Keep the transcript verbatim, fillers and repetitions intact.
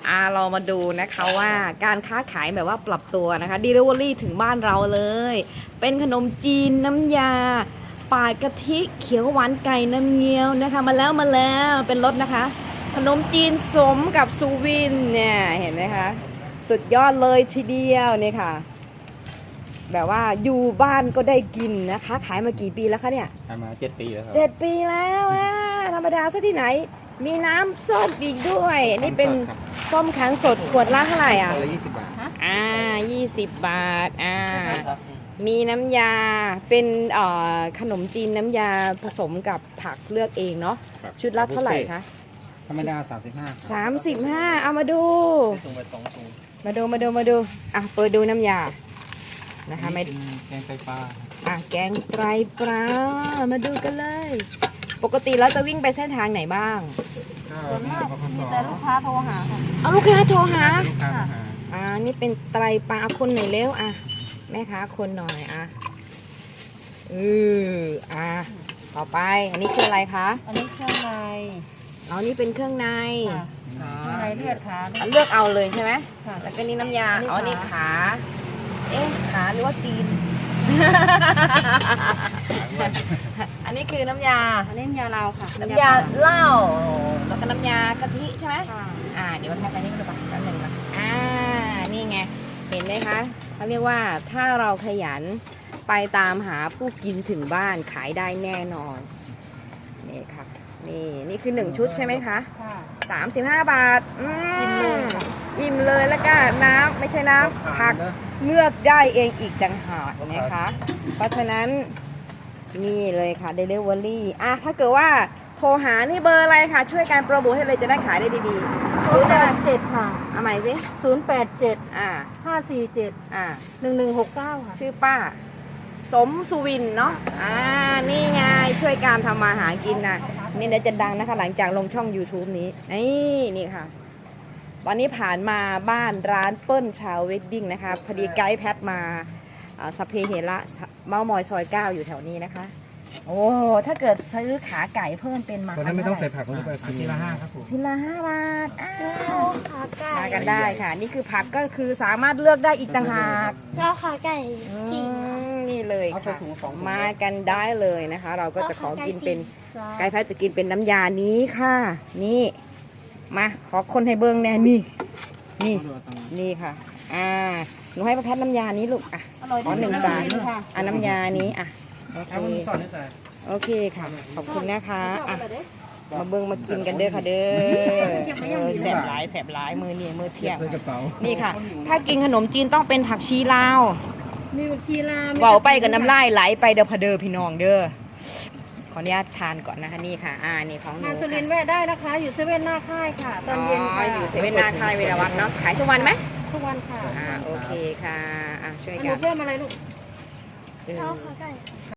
อ่าเรามาดูนะคะว่าการค้าขายแบบว่าปรับตัวนะคะ Delivery ถึงบ้านเราเลย เป็นขนมจีนน้ำยาปาดกะทิเขียวหวานไก่น้ำเงี้ยวนะคะมาแล้วมาแล้วเป็นรสนะคะ ขนมจีนสมกับซูวินเนี่ยเห็นไหมคะสุดยอดเลยทีเดียวนี่ค่ะแบบว่าอยู่บ้านก็ได้กินนะคะขายมากี่ปีแล้วคะเนี่ยขายมาเจ็ดปีแล้วครับเจ็ดปีแล้วอะธรรมดาซะที่ไหนมีน้ำส้มอีกด้วยนี่เป็นส้มขังสดขวดละเท่าไหร่อ่ะขวดละยี่สิบบาทอ่ายี่สิบบาทอ่ามีน้ำยาเป็นเอ่อขนมจีนน้ำยาผสมกับผักเลือกเองเนาะชุดละเท่าไหร่คะธรรมดาสามสิบห้าสามสิบห้าเอามาดูส่งไปสองถุงมาดูมาดูมาดูอ่ะเปิดดูน้ำยานะคะไม่แกงไตปลาอ่ะแกงไตปลามาดูกันเลยปกติแล้วจะวิ่งไปเส้นทางไหนบ้างส่วนมากมีแต่ลูกค้าโทรหาค่ะเอาลูกค้าโทรหาลูกค้าหาอ่านี่เป็นไตปลาคนหน่อยเร็วอ่ะแม่ค้าคนหน่อยอ่ะอืออ่ะต่อไปอันนี้คืออะไรคะอันนี้เครื่องในเอานี่เป็นเครื่องในเครื่องในเลือดขาเลือกเอาเลยใช่ไหมค่ะแล้วก็นี่น้ำยาอ๋อนี่ขาเอ๊ะขาหรือว่าตีน อันนี้คือน้ำยาอันนี้น้ำยาเราค่ะน้ำยาเหล้าแล้วก็น้ำยากะทิใช่ไหมอ่าเดี๋ยวมาทำกันนี่กันดูป่ะแป๊บนึงนะอ่านี่ไงเห็นไหมคะเขาเรียกว่าถ้าเราขยันไปตามหาผู้กินถึงบ้านขายได้แน่นอนนี่ค่ะนี่นี่คือหนึ่งชุดใช่ไหมคะสามสิบห้าบาทอืมอิ่มเลยแล้วก็น้ำไม่ใช่น้ำผักเลือกได้เองอีกต่างหากนะคะเพราะฉะนั้นนี่เลยค่ะ Delivery อ่ะถ้าเกิดว่าโทรหานี่เบอร์อะไรคะช่วยการโปรโมทให้เลยจะได้ขายได้ดีๆศูนย์แปดเจ็ดค่ะเอาใหม่สิศูนย์แปดเจ็ดอ่าห้าสี่เจ็ดอ่าหนึ่งหนึ่งหกเก้าค่ะชื่อป้าสมสุวินเนาะอ่านี่ไงช่วยการทำมาหากินนะนี่เดี๋ยวจะดังนะคะหลังจากลงช่อง YouTube นี้นี่นี่ค่ะตอนนี้ผ่านมาบ้านร้านเปิ้ลชาวเวดดิ้งนะคะพอดีไกด์แพทมาสเพเฮระเมามอยซอยเก้าอยู่แถวนี้นะคะโอ้ถ้าเกิดซื้อขาไก่เพิ่มเป็นมาตอนนั้นไม่ต้องใส่ผักลงไปชิ้นละห้าครับผมชิ้นละห้าบาทอ้าวขาไก่มากันได้ค่ะนี่คือผักก็คือสามารถเลือกได้อีกต่างหากแล้วขาไก่นี่เลยค่ะมากันได้เลยนะคะ เราก็จะขอกินเป็นไก่แพทจะกินเป็นน้ำยานี้ค่ะนี่มาขอคนให้เบิ้งแน่นี่นี่นี่ค่ะอ่าหนูให้ป้าแพทน้ำยานี้ลูกอ่ะขอหนึ่งจานอ่ะน้ำยานี้อ่ะโอเคโอเคค่ะขอบคุณนะคะอ่ะมาเบิ้งมากินกันเด้อค่ะเด้อแสบหลายแสบหลายมือนี่มือเที่ยงนี่ค่ะถ้ากินขนมจีนต้องเป็นผักชีลาวมีผักชีลาวเบาไปกับน้ำลายไหลไปเด้อพะเด้อพี่น้องเด้อขออนุญาตทานก่อนนะคะนี่ค่ะอ่านี่ของหนูทานสุรินทร์แวะได้นะคะอยู่เซเว่นหน้าค่ายค่ะตอนเย็นค่ะอยู่เซเว่นหน้าค่ายเวลาวัดเนาะขายทุกวันไหมทุกวันค่ะอ่าโอเคค่ะอ่ะช่วยกันเพิ่มอะไรลูกเออ